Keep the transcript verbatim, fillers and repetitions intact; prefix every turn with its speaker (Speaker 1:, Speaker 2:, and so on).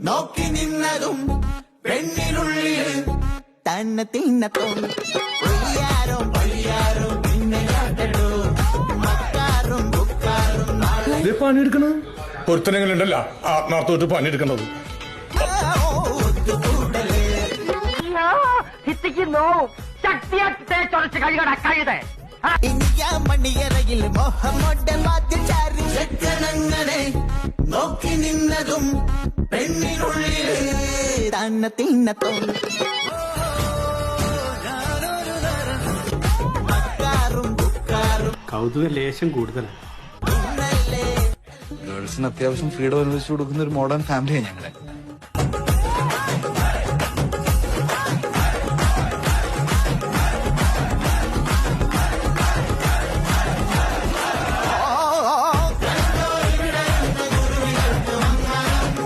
Speaker 1: നോക്കി നിന്നതും പെണ്ണിനുള്ളിൽ തന്നെ തിന്നത്തും പൊയ്യാരോ പൊയ്യാരോ പിന്നെ കാട്ടടോ മക്കാറും ബുക്കാറും
Speaker 2: പണിയെടുക്കണ ഒരുത്തനെങ്കിലുണ്ടല്ല ആത്മാർത്ഥമായിട്ട് പണിയെടുക്കണത്.
Speaker 1: മണിയറയിൽ മോഹമ്മദ് നോക്കി നിന്നതും പെണ്ണിനുള്ളിൽ തന്നെ തിന്നത്തും മക്കാറും ബുക്കാറും
Speaker 3: കൗതുക ലേശം കൂടുതലാണ്.
Speaker 4: ഗേൾസിന് അത്യാവശ്യം ഫ്രീഡം അനുവദിച്ചു കൊടുക്കുന്ന ഒരു മോഡേൺ ഫാമിലിയാണ് ഞങ്ങളെ.